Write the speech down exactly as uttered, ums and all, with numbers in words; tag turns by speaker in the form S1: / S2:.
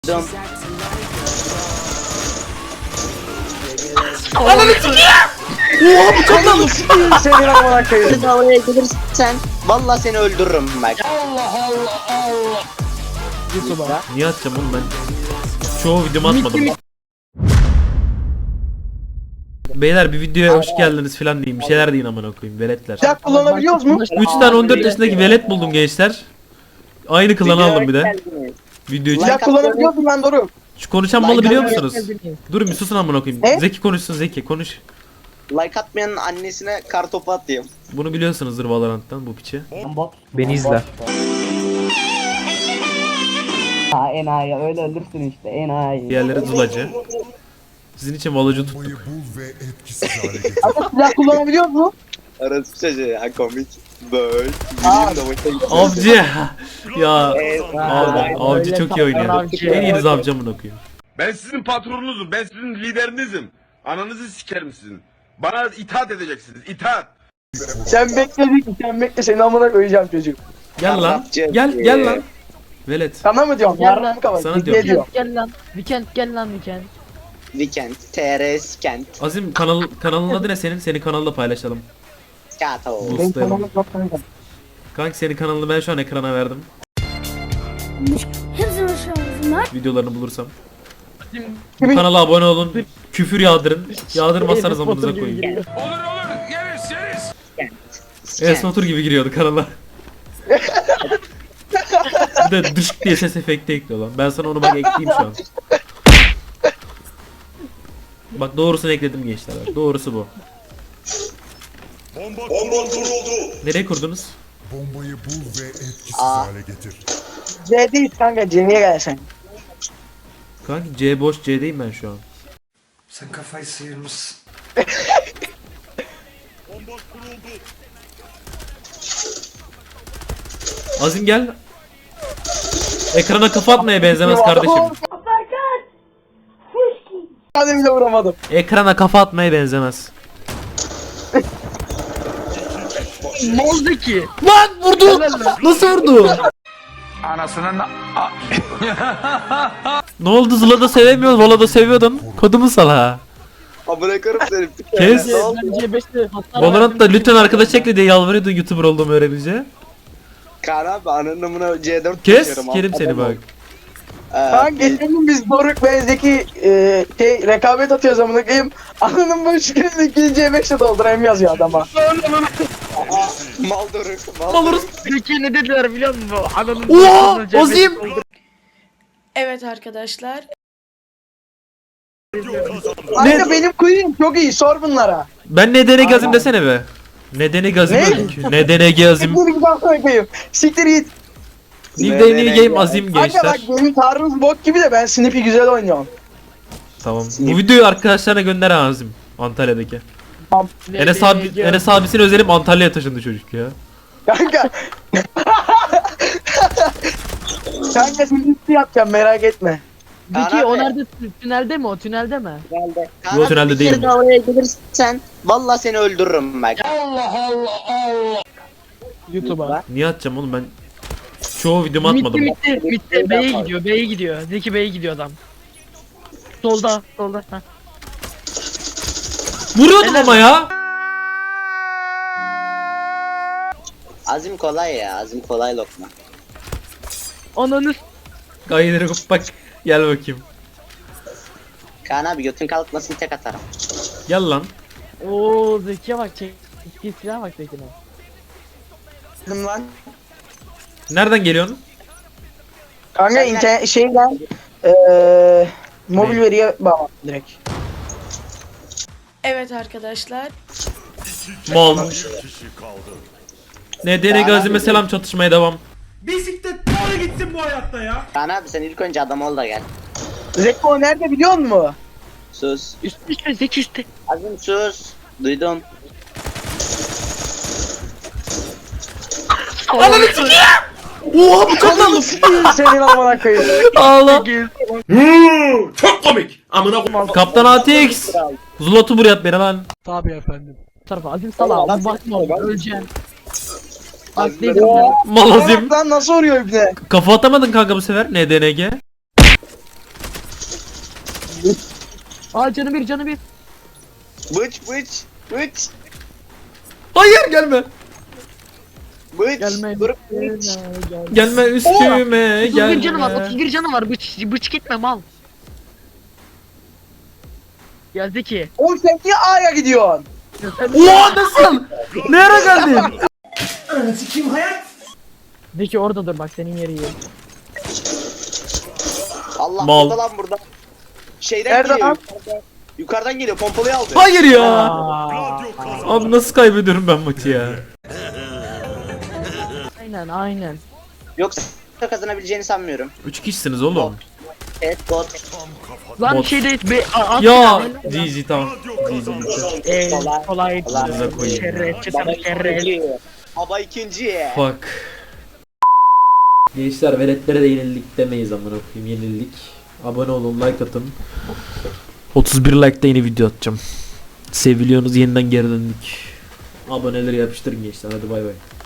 S1: Dön.
S2: Ananı sikeyim. Oha bu çok lan.
S1: Senin amına koyayım. Oraya gelirsen vallahi seni öldürürüm bak.
S2: Allah Allah Allah. YouTube'a. Niye atacağım oğlum ben? Çoğu videomu atmadım. Beyler bir videoya hoş geldiniz falan diyeyim. Bir şeyler deyin amına koyayım veletler.
S1: Silah kullanabiliyoruz mu?
S2: üç tane on dört yaşındaki velet buldum gençler. Aynı klanı aldım bir de. Video için.
S1: Silah kullanabiliyoruz mu lan Doruk?
S2: Şu konuşan malı biliyor musunuz? Durun bir susun amına koyayım.
S1: Ne?
S2: Zeki konuşsun Zeki konuş.
S1: Like atmayanın annesine kartopu atayım.
S2: Bunu biliyorsunuzdur Valorant'tan bu piçi.
S3: Beni izle.
S4: Ha enayi öyle ölürsün işte enayi.
S2: Diğerleri zulacı. Sizin için Valocu tuttuk.
S5: Bombayı bul ve etkisiz hale getir.
S1: Ama silah kullanabiliyor mu? Arası çocuğu ya komik. Böyle.
S2: Avcı. Ya.
S1: Evet.
S2: Abi, avcı çok iyi oynuyor. En iyiniz avcı amına koyayım.
S6: Ben sizin patronunuzum, ben sizin liderinizim. Ananızı sikerim sizin. Bana itaat edeceksiniz, itaat.
S1: Sen bekledik, sen bekle seni amına koyacağım çocuk.
S2: Gel lan. Gel gel lan. Velet.
S1: Sana mı diyorum?
S7: Gel lan.
S1: Yarın kapat.
S2: Sana
S1: Ne
S2: diyorum.
S1: diyor?
S7: Gel lan. Weekend gel lan weekend.
S1: Weekend, T R S, Kent,
S2: Azim kanal kanalın adı ne senin? Senin kanalda paylaşalım.
S1: Skato.
S2: Bu-
S1: Benim kanalım çok kanka.
S2: Kanka senin kanalını ben şu an ekrana verdim.
S8: Hepsini şansına.
S2: Videolarını bulursam. Bu kanala abone olun. Küfür yağdırın. Yağdırmazsanız amınıza koyun.
S6: Olur olur, yeriz yeriz.
S2: Enes Batur gibi giriyordu kanala. Bir de dışk diye ses efekti ekliyor lan. Ben sana onu bak ekleyeyim şu an. Bak doğrusunu ekledim gençler. Bak. Doğrusu bu.
S5: Bomba kuruldu.
S2: Nereye kurdunuz?
S5: Bombayı bul ve etkisiz
S1: Aa.
S5: hale getir.
S1: C değil kanka, C'ye gelsen.
S2: Kanka C boş C'deyim ben şu an.
S9: Sen kafayı sıyırmışsın.
S2: Azim gel. Ekrana kafa atmaya benzemez kardeşim.
S1: Hadi bile vuramadım.
S2: Ekrana kafa atmaya benzemez.
S7: Ne oldu ki?
S2: Lan vurdu. Nasıl vurdu?
S6: Anasının...
S2: Ne oldu Zula'da sevemiyoruz, Vola'da seviyordun. Kodumu sal ha.
S1: Amına koyarım seni.
S2: Kes.
S7: Ben C beşte hatta
S2: Valorant'ta lütfen arkadaş ekle diye yalvarıyordun YouTuber olduğumu öğrenince.
S1: Kaan abi ananın amına C dört
S2: Kes,
S1: taşıyorum,
S2: kerim seni
S1: adam
S2: bak.
S1: ol. Kanka geçen gün biz Doruk ve Zeki e, şey, rekabet atıyoruz amına koyayım. Ananın boş gününü ikinci C beşle doldurayım yazıyor adama. Mal Doruk. Mal
S2: Alırız.
S7: Peki ne dediler biliyor musun? Ananın
S2: Oha! Azim!
S8: Evet arkadaşlar.
S1: Kanka benim queen'im çok iyi, sor bunlara.
S2: Ben nedeni gazim desene be. Nedeni gazim
S1: Ne?
S2: öldük. Nedeni gazim.
S1: Siktir git amına koyayım. Siktir git.
S2: Nedeni game azim
S1: Kanka
S2: gençler.
S1: bak benim tarzım bok gibi de ben Snippy güzel oynuyorum.
S2: Tamam. Bu videoyu arkadaşlarına gönder ha Azim. Antalya'daki. Enes abi, Enes abisini özelim Antalya'ya taşındı çocuk ya.
S1: Kanka. Kanka Snippy yapacağım merak etme.
S7: Peki o nerede? Tünelde mi o? Tünelde mi?
S2: Bu tünelde değil mi?
S1: Oraya gelirsen vallahi seni öldürürüm bak.
S7: YouTube'a.
S2: Niye atacağım oğlum ben? Çoğu videomu atmadım.
S7: Mitte mitte mitte B'ye gidiyor. B'ye gidiyor. Zeki B'ye gidiyor adam. Solda, solda. Heh.
S2: Vuruyordum ama ya.
S1: Azim kolay ya, Azim kolay lokma.
S7: Ananı
S2: Gayeleri bak. Gel bakayım.
S1: Kaan abi götün kalkmasın tek atarım.
S2: Gel lan.
S7: Oo Zeki'ye bak çek. Zeki'ye silah bak Zeki'ne.
S1: Dedim lan.
S2: Nereden geliyorsun?
S1: Kanka internet şeyden eee mobil
S2: Ne?
S1: veriye bağlı direkt.
S8: Evet arkadaşlar.
S2: Mal. Nedeni gazime selam çatışmaya devam.
S1: Kaan abi sen ilk önce adam ol da gel. Zeko nerede biliyor musun? Sus.
S7: Üst üste Zeki üstte.
S1: Azim sus. Duydum.
S2: Ananı sikeyim. Oha bu çok lan.
S1: Senin amına koyayım.
S2: Ağla.
S6: Çok komik. Amına koyayım.
S2: Kaptan A T X. Zulot'u buraya at beni lan.
S7: Bu tarafa Azim sala. Bir bakma oğlum öleceksin. Bak
S1: Azim-
S7: dedim ya.
S2: Mal Azim.
S1: Lan nasıl vuruyor ibne?
S2: Kafa atamadın kanka bu sefer. N D N G.
S7: Aa canı bir canı bir.
S1: Bıç bıç bıç
S2: Hayır gelme.
S1: bıç.
S7: Gelme.
S1: Doruk bıç.
S2: Gelme üstüme
S7: otuz bir canı var
S2: gelme.
S7: otuz bir canı var bıç, bıç gitme mal. Ya Zeki.
S1: Oğlum sen niye A'ya gidiyorsun?
S7: Ya sen...
S2: Oha nasıl? Ne ara geldin?
S7: Zeki orada dur bak senin yeri iyi.
S1: Allah
S2: Mal.
S1: burada lan burada. Şeyden
S7: Nerede
S1: geliyor.
S7: lan?
S1: Yukarıdan, yukarıdan geliyor. Pompalıyı aldı.
S2: Hayır ya.
S7: Aa,
S2: Abi nasıl kaybediyorum ben maçı ya?
S7: aynen aynen.
S1: Yoksa kazanabileceğini sanmıyorum.
S2: Üç kişisiniz oğlum.
S1: Evet bot.
S7: Lan
S2: Bot.
S7: şeyde be a- at
S2: Ya G G tamam. G G bitti.
S7: Eee
S1: Kolay.
S7: kolay.
S2: Kolay. koyayım
S7: Şerefçi
S1: Baba
S7: sana şeref.
S1: ikinci. Baba ikinci.
S2: Fuck. Gençler veletlere de yenildik demeyiz amına koyayım yenildik. Abone olun like atın. otuz bir like'da yeni video atacağım. Seviliyorsunuz yeniden geri döndük. Aboneleri yapıştırın gençler hadi bay bay.